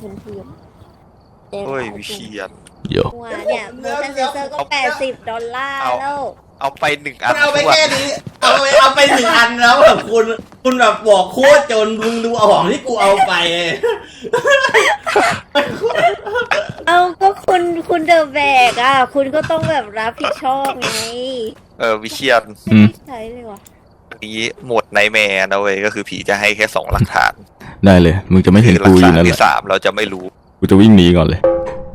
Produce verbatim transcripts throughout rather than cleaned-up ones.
พื้นที่เฮ้ยวิเชียรเยอะว่าเนี่ยโมชั่นเซนเซอร์ก็แปดสิบดอลลาร์แล้วเอาไปหนึ่งอันเอาไปแค่นี้เอาไปเอาไปหนึ่งอันแล้วแบบคุณคุณแบบบอกโคตรจนมึงดูเอาของที่กูเอาไปเอาก็คุณคุณเดอะแบกอ่ะคุณก็ต้องแบบรับผิดชอบไงเออวิเชียรไม่ใช่เลยวะนี้หมดไนแมร์นะเว้ยก็คือผีจะให้แค่สองหลักฐานได้เลยมึงจะไม่เห็นกูอยู่นั่นแหละที่สามเราจะไม่รู้กูจะวิ่งหนีก่อนเลย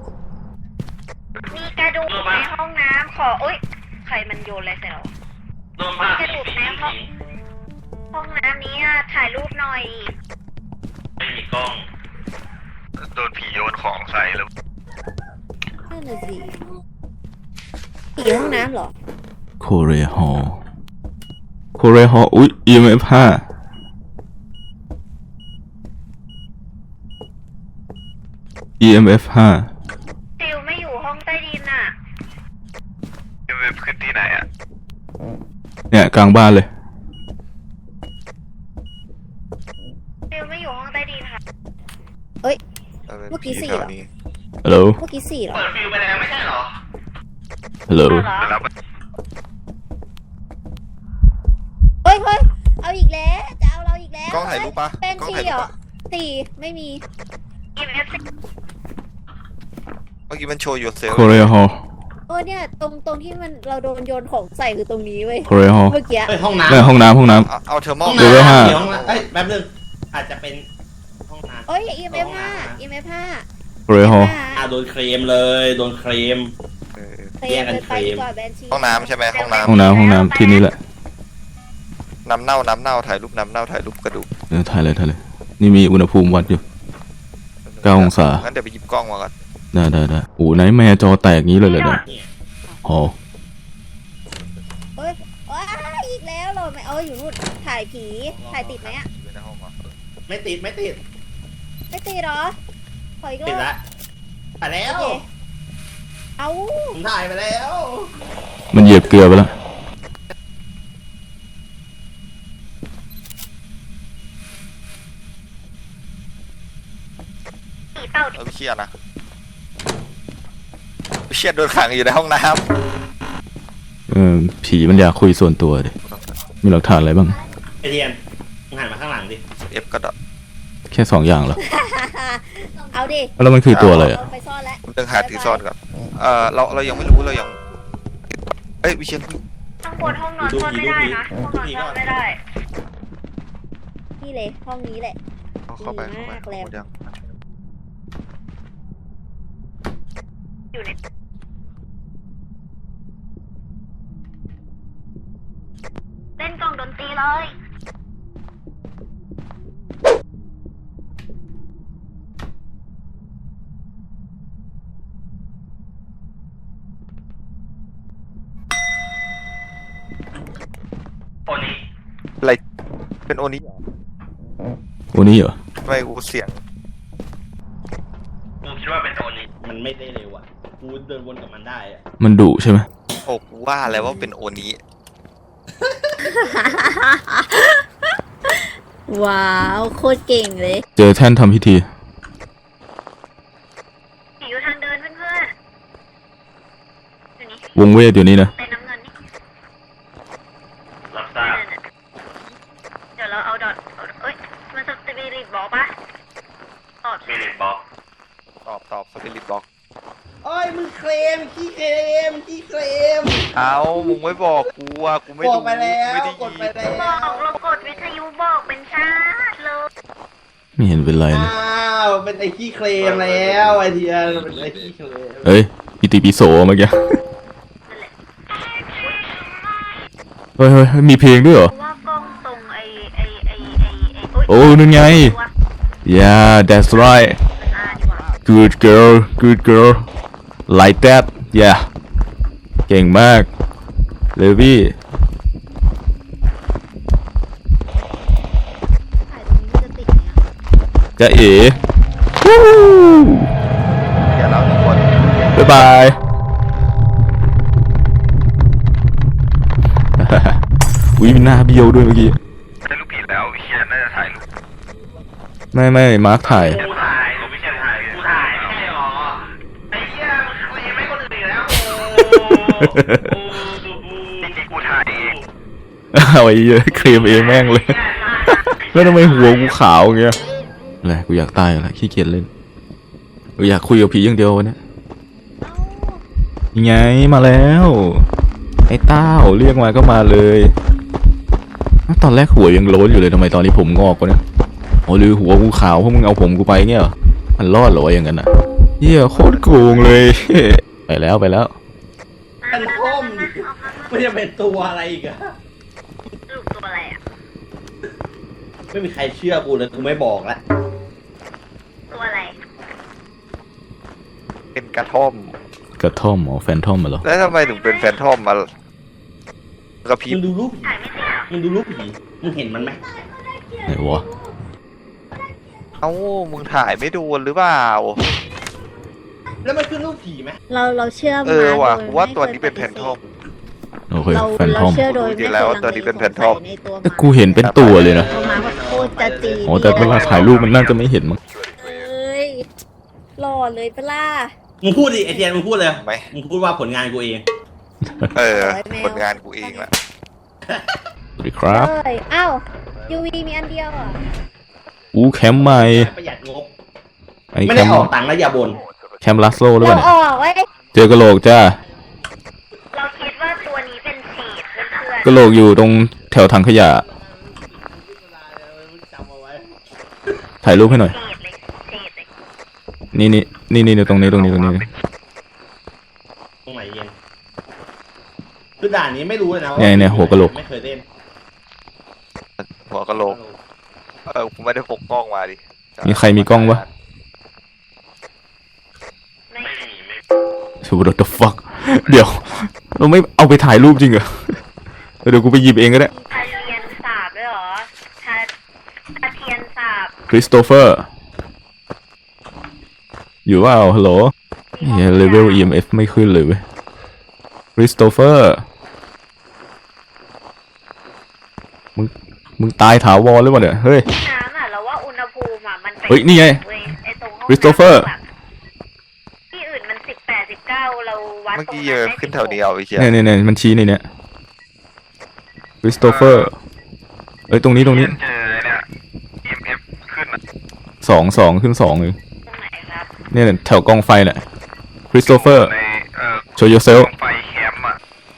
มีกระดูกในห้องน้ำขออุ้ยใครมันโยนอะไรใส่เรากระดูกในห้องห้องน้ำนี้ถ่ายรูปหน่อยไม่มีกล้องโดนผีโยนของใส่แล้วนั่นน่ะสิผีห้องน้ำเหรอโคเรฮอลโคเรฮอลอุ๊ย อี เอ็ม เอฟ ห้า อี เอ็ม เอฟ ห้าซิลไม่อยู่ห้องใต้ดินอ่ะอี เอ็ม เอฟ ขึ้นที่ไหนอ่ะเนี่ยกลางบ้านเลยซิลไม่อยู่ห้องใต้ดินค่ะเอ้ยเมื่อกี้สี่เหรอฮัลโหลเมื่อกี้สี่เหรอเปิดฟิวไปแล้วไม่ใช่เหรอฮัลโหลเฮ้ยเฮ้ยเอาอีกแล้วจะเอาเราอีกแล้วกล้องถ่ายรูปปะเป็นสี่เหรอสี่ไม่มี อี เอ็ม เอฟเมื่อกี้มันโชว์ยูเซลโคเรฮอลเออเนี่ยตรงตรงที่มันเราโดนโยนของใส่คือตรงนี้เว้ยโคเรฮอลเมื่อกี้ห้องน้ำไม่ห้องน้ำห้องน้ำเอาเทอร์โมห้องน้ำเดี๋ยวเอ้ยแป๊บนึงอาจจะเป็นห้องน้ำเอ้ย อี เอ็ม เอฟ ห้า อี เอ็ม เอฟ ห้าโคเรฮอลอ่ะโดนเคลมเลยโดนเคลมแย่งกันเคลมห้องน้ำใช่ไหมห้องน้ำห้องน้ำห้องน้ำที่นี่แหละน้ำเน่าน้ำเน่าถ่ายรูปน้ำเน่าถ่ายรูปกระดูกเออถ่ายเลยถ่ายเลยนี่มีอุณหภูมิวัดอยู่เก้าองศางั้นเดี๋ยวไปหยิบกล้องมาก่อนได้ได้ได้โอ้ไหนแม่จอแตกงี้เลยเลยเนี่ยอ๋อเฮ้ยว้าอีกแล้วเราไม่เอาอยู่นู่นถ่ายผีถ่ายติดไหมอ่ะไม่ติดไม่ติดไม่ติดหรอถอยก็ติดละถ่ายแล้วเอาผมถ่ายไปแล้วมันเหยียบเกลือไปแล้วเราไปเชียร์นะไปเชียร์โดนขังอยู่ในห้องน้ำเออผีมันอยากคุยส่วนตัวดิมีหลักฐานอะไรบ้างไอเทียนหันมาข้างหลังดิเอฟก็ดแค่สองอย่างเหรอเอาดิแล้วมันคือตัวอะไรอ่ะไปซ่อนแล้วเรื่องหาถือซ่อนก่อนเออเราเรายังไม่รู้เรายังเอ้ยวิเชียรข้างบนห้องนอนซ่อนไม่ได้นะห้องนอนซ่อนไม่ได้นี่เลยห้องนี้แหละเข้าไปเข้าไปยังอยู่ในเล่นกล่องดนตรีเลยโอนี้อะไรเป็นโอนี้โอนี้เหรอไม่กูเสียงกูคิดว่าเป็นโอนี้มันไม่ได้เร็วอ่ะกูเดินวนกับมันได้อ่ะมันดุใช่ไหมโอ้กูว่าแล้วว่าเป็นโอนี้ว้าวโคตรเก่งเลยเจอแท่นทำพิธีอยู่ทางเดินเพื่อนๆวงเวทอยู่นี่นะเป็นน้ำเงินนี่รับทราบเดี๋ยวเราเอาดอทเอ้ยมันสปิริตบอกปะตอบสปิริตบอกตอบตอบสปิริตบอกโอ้ยมึงเคลมขี้เคลมขี้เคลมเอามึงไม่บอกกูอ่ะกูไม่บอกไปแล้วกดไปแล้วบอกเรากดวิทยุบอกเป็นชาติเลยไม่เห็นเป็นไรนะอ้าวเป็นไอ้ขี้เคลมแล้วไอเทียนเป็นไอ้ขี้เคลมเฮ้ยปีติปิโสเมื่อกี้เฮ้ยเฮ้ยมีเพลงด้วยเหรอว่ากล้องตรงไอไอไอไอไอโอ้นั่นไง yeah that's right good girl good girl like that yeah เก่งมากเลวี่จะเอ๋อย่าเล่าทุกคนบ๊ายบายอุ้ยมีหน้าเบี้ยวด้วยเมื่อกี้ได้รูปผีแล้ววิเชียรน่าจะถ่ายรูปไม่ไม่มาร์คถ่ายถ่ายวิเชียรถ่ายจริงๆกูถ่ายเองเอาไอ้เหี้ยเคลมเองแม่งเลย แล้วทำไมหัวกูขาวอย่างเงี้ยอะไรกูอยากตายแล้วขี้เกียจเล่นกูอยากคุยกับผีอย่างเดียววันนี้ยังไงมาแล้วไอ้เต้าเรียกมาก็มาเลยตอนแรกหัวยังโล้นอยู่เลยทำไมตอนนี้ผมงอกวะเนี่ยโอ้หรือหัวกูขาวเพราะมึงเอาผมกูไปเงี้ยเหรอมันรอดเหรอวะอย่างนั้นอ่ะเหี้ยโคตรโกงเลย ไปแล้วไปแล้วเป็นท่อมดิไม่จะเป็นตัวอะไรอีกอะลูกตัวอะไรอ่ะไม่มีใครเชื่อกูเลยกูไม่บอกละตัวอะไรเป็นกระท่อมกระท่อมอ๋อแฟนทอมมาเหรอแล้วทำไมถึงเป็นแฟนทอมมากระพริมึบงดูรูปผีถ่ายไม่ติดหรอมึงดูรูปผีมึงเห็นมันไหมไหนวะเอ้ามึงถ่ายไม่ดูหรือเปล่าแล้วมันขึ้นรูปผีไหมเราเราเชื่อเอมาอว่ะโดยกูว่าไม่ตัวคยนี้เป็นปแฟฏินสธทอมโอเคเราแฟนทเราอมเชื่อโดยจริไม่งๆเคแล้วยลังตัวนี้เลเป็นแฟนทอมในตัวแต่กูเห็นเป็นตัวเลยนะตัวมาโคตรจะจีนโอ้แต่เวลาถ่ายรูปมันน่าจะไม่เห็นมั้งเอ้ยหล่อเลยปะล่ะมึงพูดดิไอเทียนมึงพูดเลยไหมมึงพูดว่าผลงานกูเองเออผลงานกูเองแหละสวัสดีครับเอ้ยอ้าวยูวีมีอันเดียวอ่ะอู้แคมป์ใหม่ประหยัดงบอันนี้ไม่แคได้มออกป์ตังค์แล้วอย่าบ่นแคมป์ลัสโลหรือเปเราล่าเนี่ยออกไว้เจอกระโหลกจ้าเราคิดว่าตัวนี้เป็นฉีดเพื่อนกระโหลกอยู่ตรงแถวถังขยะจำเอาไว้ถ่ายรูปให้หน่อยๆฉีดเลยฉีดเลยนี่นี่นี่นี่ตรงนี้ตรงนี้ตรงนี้ตรงไหนเย็นคือด่านนี้ไม่รู้เลยนะว่าเนี่ยเนี่ยหัวกะโหลกไม่เคยเล่นหัวกะโหลกเออกูไม่ได้พกกล้องมาดิมีใครมีกล้องวะไม่มีชู what the fuck เดี๋ยว เราไม่เอาไปถ่ายรูปจริงเหรอ เดี๋ยวกูไปหยิบเองก็ได้ทาเทียนสาบด้วยเหรอทาทาเทียนสาบคริสโตเฟอร์ อยู่ว่าฮัลโหลเฮ้ยเลเวล อี เอ็ม เอฟ ไม่ขึ้นเลยเว้ยคริสโตเฟอร์ มึง มึงตายถาวรหรือเปล่าเนี่ย เฮ้ยน้ำอ่ะเราว่าอุณหภูมิอ่ะมันเป็นเฮ้ยนี่ไงเว้ยไอ้ตรงห้องคริสโตเฟอร์น้ำะที่อื่นมันสิบแปดสิบเก้าเราวัดเมื่อตรงกี้นั้เยนอะได้ขึ้นสิบแถหวกเดียวไอ้เชี่ยเนี่ยเนี่ยเนี่ยมันชี้ในเนี่ยคริสโตเฟอร์ เอ้ยตรงนี้ตรงนี้เจอเนี่ย อี เอ็ม เอฟ ขึ้นอ่ะสองสองขึ้นสองเลยตรงไหนครับเนี่ยแถวกองไฟแหละคริสโตเฟอร์ในเอ่อ show yourself ไฟแคมป์อ่ะ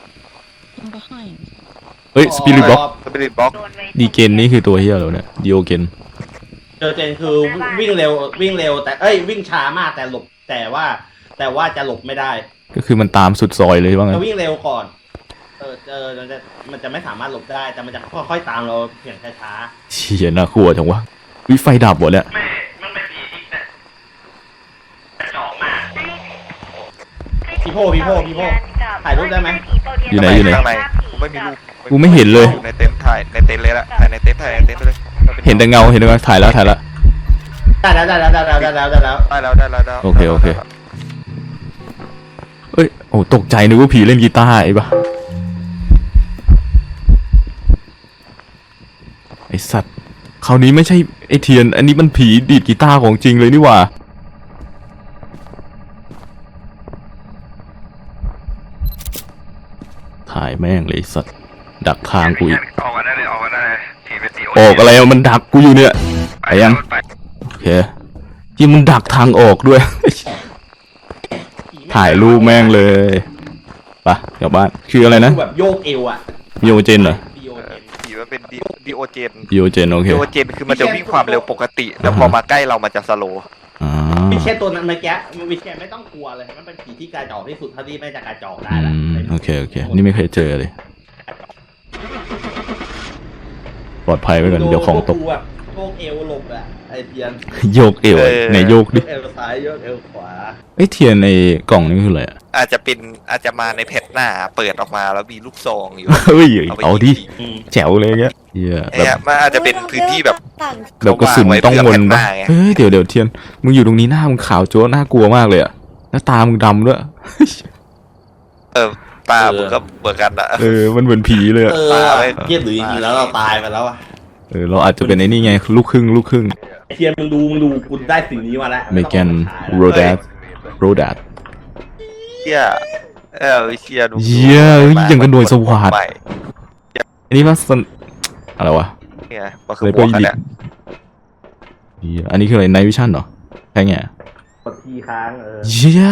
เฮ้ยสปิริตบ็อกสปิริตบ็อกโดนไว้ดีเกนนี่คือตัวเฮียเหรอเนี่ยดีโอเกนเจอเจนคือวิ่งเร็ววิ่งเร็วแต่เอ้ยวิ่งช้ามากแต่หลบแต่ว่า แต่ว่าจะหลบไม่ได้ก็คือมันตามสุดซอยเลยว่างั้จะนวิ่งเร็วก่อน เออเจอมันจะมันจะไม่สามารถหลบได้แต่มันจะค่อยๆตามเราเพียงช้าเชี่ยน่ากลัวจังวะวิไฟดับหมดแล้วไม่มันเป็นผีอีกเนี่ยกระจอกมากๆพี่โพพี่โพพี่โพถ่ายรูปได้ไหมอยู่ไหนอยู่ไหนข้างในกูไม่มีรูปกูไม่เห็นเลยในเต็นท์ถ่ายในเต็นท์เลยละถ่ายในเต็นท์ถ่ายในเต็นท์ไปเลยเห็นแต่เงาเห็นแต่เงาถ่ายแล้วถ่ายแล้วได้แล้วได้แล้วได้แล้วได้แล้วได้แล้วได้แล้วได้แล้วได้แล้วโอเคโอเค เอ้ยโอ้ตกใจนึกว่าผีเล่นกีตาร์ไอ้ปะไอสัตว์คราวนี้ไม่ใช่ไอเทียน อันนี้มันผีดีดกีตาร์ของจริงเลยนี่หว่าถ่ายแม่งเลยไอ้สัตว์ดักทางกูอีกออกกันได้เลยออกกันได้เลยผีเป็นตีออกอะไรอะมันดักกูอยู่เนี่ยไปยังไปโอเคที่มันดักทางออกด้วย ถ่ายรูปแม่งเลยไปกลับบ้านคืออะไรนะดูแบบโยกเอวอ่ะโยเจนเหรอดีโอเอเจอน ผีมันเป็นดีโอเจนโยเจนโอเคดีโอเจนคือมันจะวิ่งความเร็วปกติ แล้วพอมาใกล้เรามันจะสโลว์อ่าวิเชนตัวนั้นเมื่อกี้วิเชนไม่ต้องกลัวเลยมันเป็นผีที่กระจอกที่สุดเท่าที่ไม่จะกระจอกได้อืละมโอเคโอเคนี่ไม่เคยเจอเลย ปลอดภัยไว้ก่อนเดี๋ยวของตกดูแบบโยกเอวหลบอะไอเทียนโยกเอวไหนโยกโยดิกเอวซ้ายโยกเอวขวาไอยเทียนในกล่องนี่คืออะไรอะอาจจะเป็นอาจจะมาในแพทหน้าเปิดออกมาแล้วมีลูกซองอยู่เฮ้ยเอาไปเอาดิยิงอืมแจ๋วเลยเงี้ยเหี้ยแบเนี่ยบมันอาจจะเป็นพื้นที่แบบต่างแบบกระสุนต้องวนเขาวางไว้เผื่อแผ่นหปะน้าไงเฮ้ยเดี๋ยวเดี๋ยวเทียนมึงอยู่ตรงนี้หน้ามึงขาวโจ้น่ากลัวมากเลยอะแล้วตามึงดำด้วยเออตามึงก็เหมือนกันอะเออมันเหมือนผีเลยอะเออเทียบหรือจริงๆแล้วเราตายไปแล้วอะเออเราอาจจะเป็นไอ้นี่ไงลูกครึ่งลูกครึ่งไอเทียนมึงดูมึงดูกูได้สิ่งนี้มาแล้วเมแกนโรดัสโรดัสเที่ยเออเชียดูเหี้ยอย่างกับหน่วยสวัสดิ์ใหม่อันนี้ว่าสนอะไรวะเนี่ยมันคือหัวกันเนี่ยเหี้ยอันนี้คืออะไรไนท์วิชั่นเหรอแค่ไงกดทีค้างเออเย้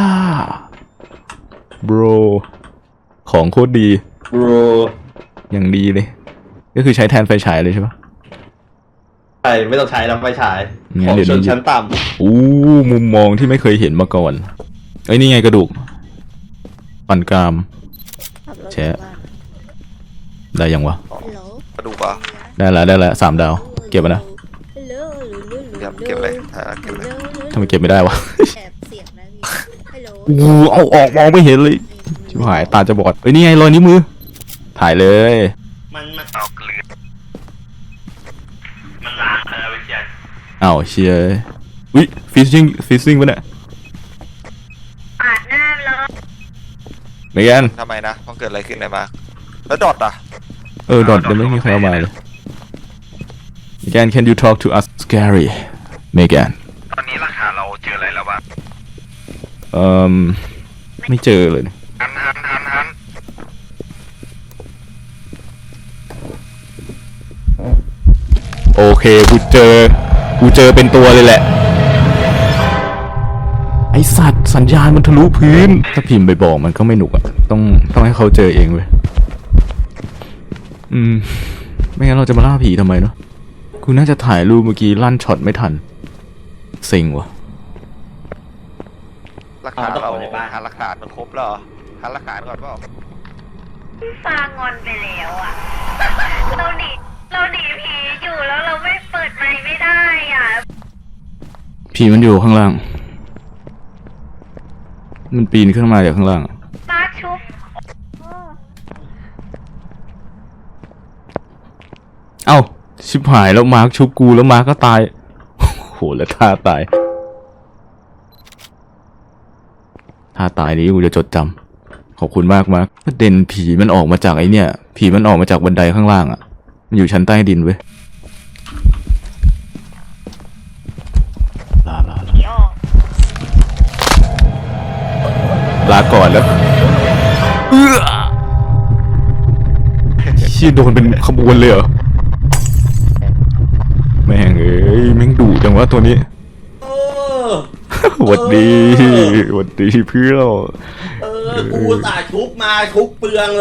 bro ของโคตรดี bro อย่างดีเลย ก็คือใช้แทนไฟฉายเลยใช่ปะใช่ไม่ต้องใช้แล้วไฟฉายงั้ขนองเดี๋ยวชนนี้ชั้นต่อู้มุมมองที่ไม่เคยเห็นมาก่อนเอ้ยนี่ไงกระดูกปั่นกรามขับรถแชะกลับบ้านได้ยังวะฮัลโหลกระดูกอ่ะได้แล้วได้แล้วสามดาว เก็บมานะฮัลโหลเก็บเก็บเลยอ่าเก็บเลยทำไมเก็บไม่ได้วะแอบเสียงนะพี่ฮัลโหลโอ้โหเอาออกมองไม่เห็นเลยชิบหายตาจะบอดเอ้ยนี่ไงรอยนิ้วมือ ถ่ายเลยำมันมันเอาเกลือมันล้างแล้ววิญญาณอ้าวเชียวิฟิชชิ่งฟิชชิ่งปะเนี่ยปาดหน้าเลยเมแกนทำไมนะมันเกิดอะไรขึ้นเลยมาแล้วดอทอ่ะเออดอทยังไม่มีใครเอามาเลยเมแกน can you talk to us scary เมแกนตอนนี้ราคาเราเจออะไรแล้วบ้างเอ่อไม่เจอเลยหันหันหันหันโอเคกูเจอกูเจอเป็นตัวเลยแหละไอสัตว์สัญญาณมันทะลุพื้นถ้าพิมพ์ไปบอกมันก็ไม่หนุกอ่ะต้องต้องให้เขาเจอเองเว้ยอืมไม่งั้นเราจะมาล่าผีทำไมเนาะกูน่าจะถ่ายรูปเมื่อกี้ลั่นช็อตไม่ทันเซ็งว่ะราคาเราหาหลักฐานมันครบแล้วเหรอหาหลักฐานก่อนเปล่าฟางอนไปแล้วอ่ะ เราหนีเราหนีผีอยู่แล้วเราไม่เปิดไมค์ไม่ได้อ่ะผีมันอยู่ข้างล่างมันปีนขึ้นมาจากข้างล่างอะมาชุบเอ้าชิบหายแล้วมาร์คชุบกูแล้วมาร์คก็ตายโหแล้วท่าตายท่าตายนี้กูจะจดจำขอบคุณมากมาร์คประเด็นผีมันออกมาจากไอเนี่ยผีมันออกมาจากบันไดข้างล่างอ่ะมันอยู่ชั้นใต้ดินเว้ยลาลาลาผีออกลาก่อนแล้วเอื้อเชี่ยโดนเป็นขบวนเลยเหรอแม่งเอ้ยแม่งดุจังวะตัวนี้เออหวัดดีหวัดดีเพื่อนเออกูอุตสาห์ชุบมาชุบเปลืองเลย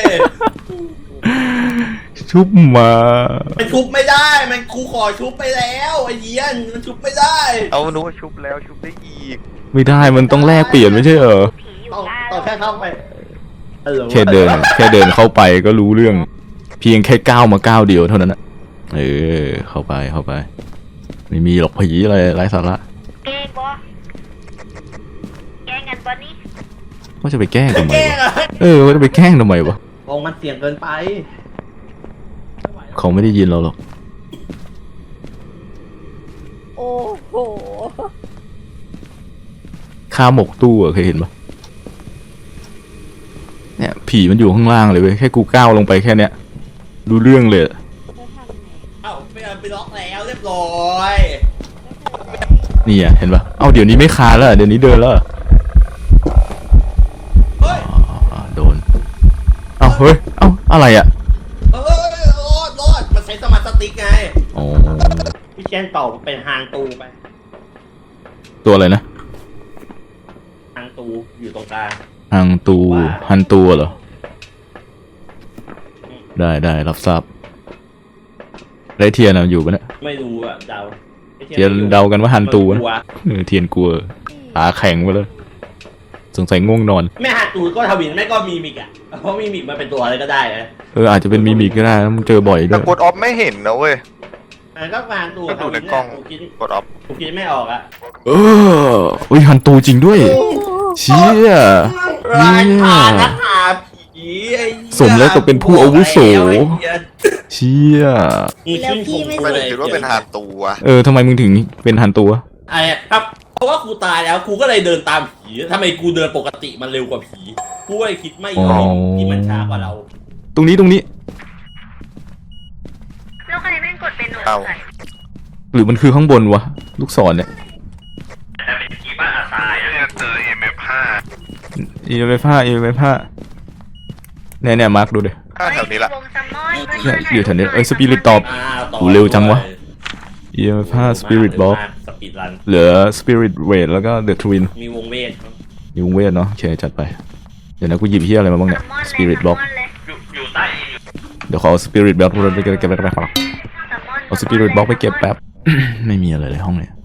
ชุบมามันชุบไม่ได้มันกูขอชุบไปแล้วไอ้เหี้ยมันชุบไม่ได้เอาหนูว่าชุบแล้วชุบได้อีกไม่ได้มันต้องแลกเปลี่ยนไม่ใช่เหรอผีอยู่ต้องได้ต้องแค่เข้าไปเออแค่เดินแค่เดินเข้าไปก็รู้เรื่อง เพียงแค่ก้าวมาก้าวเดียวเท่านั้นนะเออเข้าไปเข้าไป ไม่มีหรอกผีอะไรไร้สาระเกงบอแกงกันปะนี่ว่าจะไปแกล้งทำไมแก้วะอะเออว่าจะไปแกล้งทำไมวะวงมันเสี่ยงเกินไปเขาไม่ได้ยินเราหรอกโอ้โหข้าหมกตู้อะเคยเห็นปะเนี่ยผีมันอยู่ข้างล่างเลยเว้ยแค่กูก้าวลงไปแค่เนี้ยรู้เรื่องเลยแล้วทำไงเอ้าไปเอาไปล็อกแล้วเรียบร้อยนี่อ่ะเห็นปะเอ้าเดี๋ยวนี้ไม่คานแล้วอะเดี๋ยวนี้เดินแล้วอะเฮ้ยอ่าโดน เอ้าเฮ้ย เอ้าอะไรอ่ะเออรอดรอดมันใช้สมาร์ทสติ๊กไงอ๋อพี่แชนต่อเป็นหางตูไปตัวอะไรนะหางตูอยู่ตรงกลางฮังตูฮันตูเหรอ ได้ได้รับทราบไรเทียนอะอยู่ปะเนี่ยไม่รู้อะเดาไอ้เทียนเดากันว่าฮันตูมันนะกลัวเออเทียนกลัวตาแข็งไปเลยสงสัยง่วงนอนแม่หางตูก็ทวินแม่ก็มีมิกอะเพราะมีมิกมันเป็นตัวอะไรก็ได้นะเอออาจจะเป็นมิมิกก็ได้นะมึงเจอบ่อยด้แต่วยกดออฟไม่เห็นนะเว้ยแต่ก็หางตูก็ดูในกล้องกูคิดกดออฟกูคิดไม่ออกอะเอออุ้ยฮันตูจริงด้วย เชี่ยรายผ่านนักหาผีไอ้หี้ยสมแล้วกับเป็นผู้อาวุโสไอ้เหี้ยเชี่ยแล้วพี่ไม่ไม่เสได้ร็จคิดว่าเป็นหาตัวเออทำไมมึงถึงเป็นฮันตูวะไอ้ครับเพราะว่ากูตายแล้วกูก็เลยเดินตามผีทำไมกูเดินปกติมันเร็วกว่าผีกูก็เลยคิดไม่ออกที่มันช้ากว่าเราตรงนี้ตรงนี้แล้วใครแม่งกดเป็นหนูใส่หรือมันคือข้างบนวะลูกศรเนี่ยแต่เป็นกีบ้าอาซายเนี่ยเจอ เอ็ม เอฟ ห้าอีเวฟ้าอีเวฟ้าเนี่ยเนี่ยมาร์คดูดิถ้าแถวนี้ละวงซัมมอนเนี่ยอยู่แถวนี้เอ้ยสปิริตตอบอ่าต่อโหเร็วจังวะ อีเวฟ้าสปิริตบล็อกสปีดรันเหลือสปิริตเวทแล้วก็เดอะทวินมีวงเวทยุงเวทเนาะโอเคจัดไปเดี๋ยวนะกูหยิบเฮียอะไรมาบ้างเนี่ยสปิริตบล็อกอยู่อยู่ใต้อยู่เดี๋ยวขอสปิริตบล็อกไปเก็บไปเก็บไปเก็บไปเอาสปิริตบล็อกไปเก็บแป๊บ ไม่มีอะไรเลยห้องเนี่ย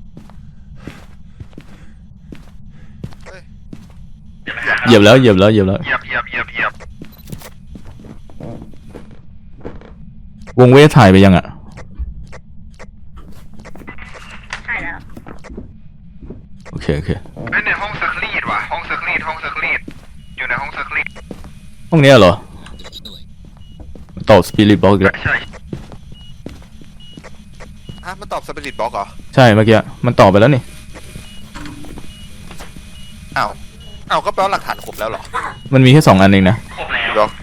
เหยียบแล้วเหยียบแล้วเหยียบแล้วเหยียบเหยียบเหยียบเหยียบวงเวทถ่ายไปยังอ่ะใช่แล้วโอเคโอเคเป็นในห้องซักรีดว่ะห้องซักรีดห้องซักรีดอยู่ในห้องซักรีดห้องเนี้ยเหรอตอบสปิริตบล็อกอีกแล้วใช่ฮะมันตอบสปิริตบล็อกเหรอใช่เมื่อกี้มันตอบไปแล้วนี่อ้าวอ้าวก็แปลว่าหลักฐานครบแล้วเหรอมันมีแค่สองอันเองนะครบแล้วบล็อก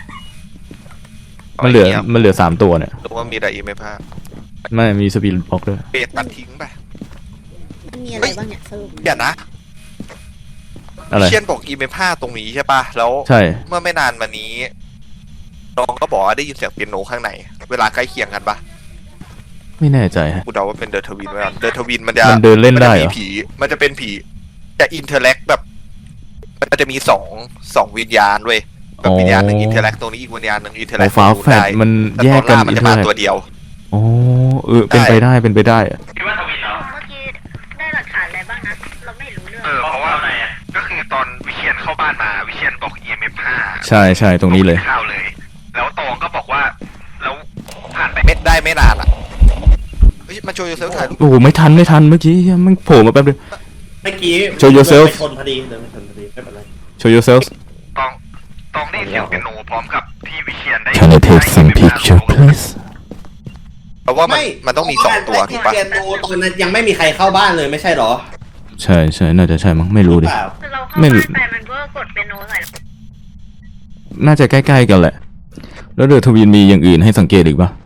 มันเหลือมันเหลือสามตัวเนี่ยหรือว่ามีอะไรอีกไหมพ่าไม่มีสปิริตบล็อกด้วยเบสตัดทิ้งไปมันมีอะไรบ้างเนี่ยสรุปเดี๋ยวนะอะไรเชียนบอกอีเมพห้าตรงนี้ใช่ปะแล้วใช่เมื่อไม่นานมานี้น้องก็บอกว่าได้ยินเสียงเปียโนข้างในเวลาใกล้เคียงกันปะไม่แน่ใจฮะกูเดาว่าเป็นเดอะทวินไว้ก่อนเดอะทวินมันจะมันเดินเล่นได้เหรอมัจะมีผีมันจะเป็นผีจะอินเทอร์แลกแบบมันจะมีสองสองวิญญาณเว้ยแบบวิญญาณหนึ่งอินเทอร์แลกตรงนี้อีกวิญญาณหนึ่งอินเทอร์แลโอ้กฟ้าแฟดมันแต่แยตกอนกันล่ามันอีกจะเท่ามาไหร่ตัวเดียวโอ้เออเป็นไปได้เป็นไปได้อะคิดว่าทวินเหรอเมื่อกี้ได้หลักฐานอะไรบ้างนะ เราไม่รู้เรื่องเออเพราะว่าอะไรอ่ะก็คือตอนวิเชียนเข้าบ้านมาวิเชียนบอก อี เอ็ม เอฟ ห้าใช่ใช่ตรงนี้เลยข้าวเลย แล้วตองก็บอกว่าแล้วผ่านไปเม็ดได้ไม่นานอ่ะเฮ้ยมาโชว์ยูเซลถ่ายรูปโอ้โหไม่ทันไม่ทันเมื่อกี้มันโผล่มาแป๊บเดียวเมื่อกี้ Show yourself เดินไปชนพอดีเดินไปชนพอดีไม่เป็นไร show yourself ตองตองได้ยินเสียงเปียโนพร้อมกับพี่วิเชียนได้ Can I take some picture please เพราะว่ามันมันต้องมีสองตัวถูกปะเปียโนตอนนั้นยังไม่มีใครเข้าบ้านเลยไม่ใช่เหรอใช่ใช่น่าจะใช่มั้งไม่รู้ดิเปล่าคือเราเข้าไม่รู้บ้านไปมันก็กดเป็นโน้ตใส่น่าจะใกล้ๆกันแหละ แล้วเดอะทวินมีอย่างอื่นให้สังเกตอีกปะ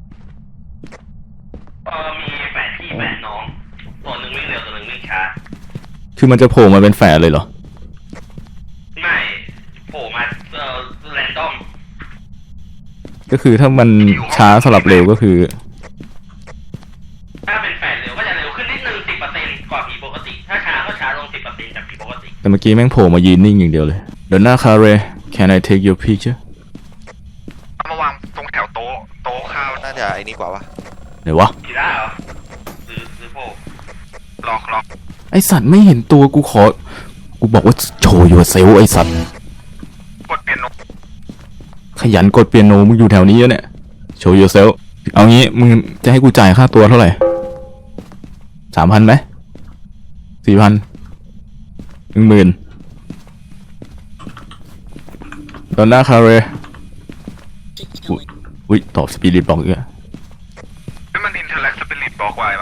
เออมีแฝดพี่แฝดน้องตัวหนึ่งวิ่งเร็วตัวหนึ่งวิ่งช้าคือมันจะโผล่มาเป็นแฝดเลยเหรอไม่โผล่มาเออแรนดอมก็คือถ้ามันช้าสลับเร็วก็คือถ้าเป็นแฝดเร็วก็จะเร็วขึ้นนิดนึงสิบเปอร์เซ็นต์กว่าผีปกติ ถ้าช้าก็ช้าลงสิบเปอร์เซ็นต์จากผีปกติแต่เมื่อกี้แม่งโผล่มายืนนิ่งอย่างเดียวเลยเดยวหน้าคาเร Can I take your picture เอามาวางตรงแถวโต๊ะโต๊ะข้าวน่าจะไอ้นี่กว่าวะไหนวะกีฬาเหรอหรือหรือโผล่ล็อกล็อกไอสัตว์ไม่เห็นตัวกูขอ กูบอกว่าโชว์ yourself ไอสัตว์กดเปียโนขยันกดเปียโนมึงอยู่แถวนี้แล้วเนี่ย show yourself เอางี้มึงจะให้กูจ่ายค่าตัวเท่าไหร่สามพันไหมสี่พันหนึ่งหมื่นตอนหน้าคาเรอุ้ยตอบสปิริตบอกอีกอะนี่มันอินเทอร์แลกสปิริตบอกไว้ปะ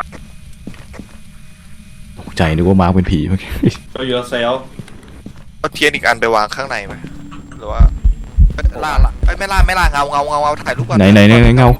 ตกใจนึกว่ามาร์คเป็นผีเมื่อกี้ Show yourself เอาเทียนอีกอันไปวางข้างในไหมหรือว่าเอ้ยล่าละเอ้ยไม่ล่าไม่ล่าเงาเงาเงาเงาถ่ายรูปก่อนไหนไหนไหนไหนเงา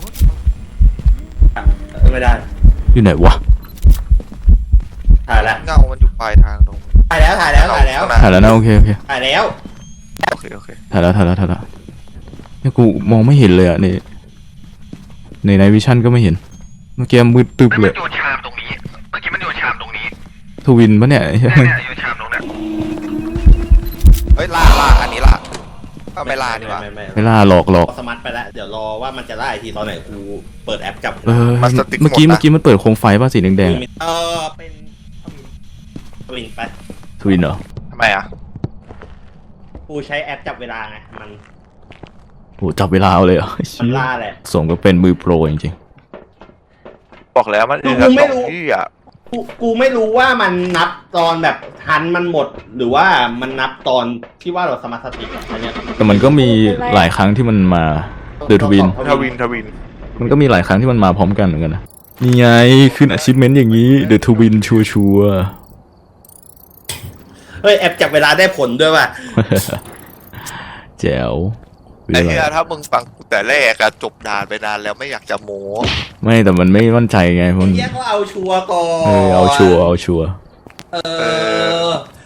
ไม่ได้อยู่ไหนวะถ่ายแล้วเงามันอยู่ปลายทางตรงถ่ายแล้วถ่ายแล้วถ่ายแล้วข้งหน้ถ่ายแล้วนะโอเคโอเคถ่ายแล้วโอเคโอเคถ่ายแล้วถ่ายแล้วถ่ายแล้วเนี่ยกูมองไม่เห็นเลยอะนี่ในในวิชั่นก็ไม่เห็นเมื่อกี้มืดตึบเฮ้ยเลมันยโยนชามตรงนี้ เมื่อกี้มันโยนชามตรงนี้ทวินปะเนี่ยเนี่ยเนี่ยโยนชามตรงเนี้ยเฮ้ยล่าล่าอันนี้ล่าเอาไม่ล่าดีกว่าไม่ไม่เวลาหลอกหลอกสมัตไปแล้วเดี๋ยวรอว่ามันจะล่าอีกทีตอนไหนกูเปิดแอปจับเออเมื่อกี้เมื่อกี้มันเปิดโคมไฟป่ะสีแดงเออเป็นทวินไปๆทวินเหรอทำไมอ่ะกูใช้แอปจับเวลาไงมันโหจับเวลาเอาเลยเหรอมันล่าแหละสมก็เป็นมือโปรจริงบอกแล้วมันกูเออไม่รู้ที่อ่ะกูกูไม่รู้ว่ามันนับตอนแบบทันมันหมด หรือว่ามันนับตอนที่ว่าเราสมาร์ทสติกอะอันเนี้ยๆแต่มันก็มีหลายครั้งที่มันมาเดอะทวินทวินทวินมันก็มีหลายครั้งที่มันมาพร้อมกันเหมือนกันนะนี่ไงขึ้น achievement อย่างนี้ The Twin ชัวชัวร์เฮ้ยแอปจับเวลาได้ผลด้วยว่ะๆแจ๋วไอ้เหี้ยถ้ามึงฟังกูแต่แรกอะจบนานไปนานแล้วไม่อยากจะโม้ไม่แต่มันไม่มั่นใจไงมันเฮียก็เอาชัวร์ก่อนเออเอาชัวร์เอาชัวร์เออ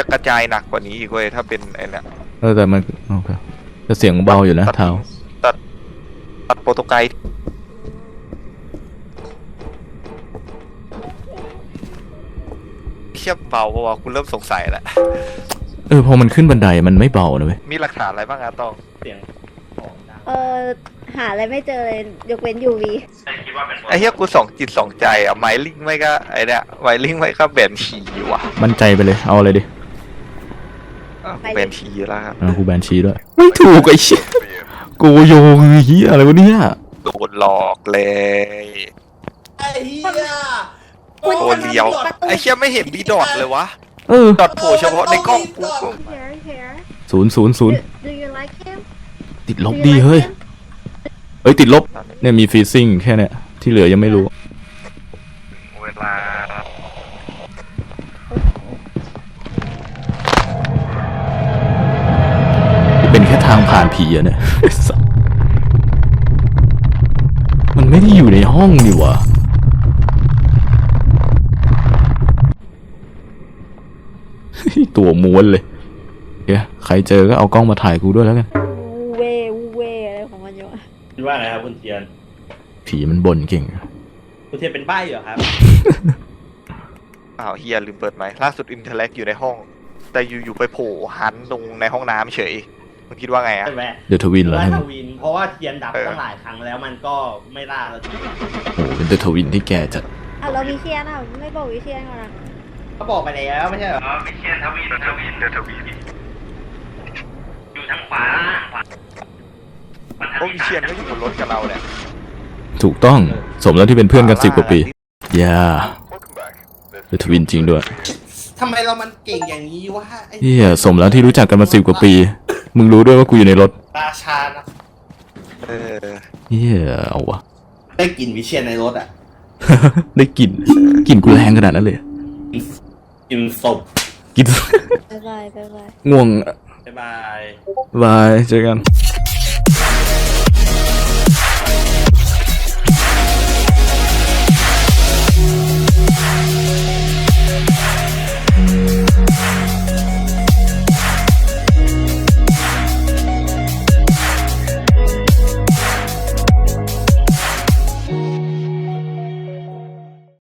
จะกระจายหนักกว่านี้อีกเว้ยถ้าเป็นไอ้เนี่ยเออแต่มันโอเคแต่เสียงเบาอยู่นะเท้าตัดตัดโปรโตไกด์เทียบเบาเพราะว่าคุณเริ่มสงสัยแล้วเออพอมันขึ้นบันไดมันไม่เบานะเว้ยมีหลักฐานอะไรบ้างอะตองเสียงของดังเออหาอะไรไม่เจอเลยยกเว้นยูวีไอ้เหี้ยกูสองจิตสองใจอะไมลิงไม่ก็ไอ้เนี่ยไมลิงไม่ก็แบนชีว่ะมั่นใจไปเลยเอาอะไรดิอ่ะแบนชีแล้วครับอ่ะกูแบนชีด้วยไม่ถูกไอ้เชี่ยโกโยเฮียอะไรวะเนี่ยโดนหลอกเลยไอ้เหี้ยโคเลียวไอ้เชี่ยไม่เห็นมีดอทเลยวะเออดอทโผล่เฉพาะในกล้องกู here here ศูนย์ศูนย์ศูนย์ do you like him ติดลบดีเฮ้ยเอ้ยติดลบเนี่ยมีฟรีซิ่งแค่เนี้ยที่เหลือยังไม่รู้เวลาเป็นแค่ทางผ่านผีอะเนี่ย มันไม่ได้อยู่ในห้องนี่หวะตัวม้วนเลยเดี๋ยวใครเจอก็เอากล้องมาถ่ายกูด้วยแล้วกันวูเววูเวอะไรของมันอยู่อะคิดว่าไงครับคุณเทียนผีมันบ่นเก่งคุณเทียนเป็นใบ้เหรอครับอ้าวเฮียลืมเปิดไหมค์ล่าสุดอินเทอร์แลกอยู่ในห้อง แต่อยู่ๆไปโผล่หันตรงในห้องน้ำเฉยมึงคิดว่าไงอะใช่ไหมเดอะทวินเหรอว่าฮะทวิน เพราะว่าเทียนดับเออตั้งหลายครั้งแล้วมันก็ไม่ล่าแล้วทีโอ้โหเป็นเดอะทวินที่แก่จัดอ่ะเราวิเชียนอ่ะไม่บอกวิเชียนก่อนนะเขาบอกไปแล้วไม่ใช่เหรออ๋อไม่เชียนทวินทวินเดอะทวินอยู่ทางขวาขวาโอ้วิเชียนก็อยู่บนรถกับเราเนี่ยถูกต้องสมแล้วที่เป็นเพื่อนกันสิบกว่าปีอย่าเดอะทวินจริงด้วยทำไมเรามันเก่งอย่างนี้วะไอ้เฮียสมแล้วที่รู้จักกันมาสิบกว่าปี มึงรู้ด้วยว่ากูอยู่ในรถราชานะเออเฮียเอาวะได้กลิ่นวิเชียนในรถอ่ะได้กลิ่นกลิ่นกูแรงขนาดนั้นเลยกลิ่นศพกลิ่นบ๊ายบายบ๊ายบายง่วงบ๊ายบายบายเจอกัน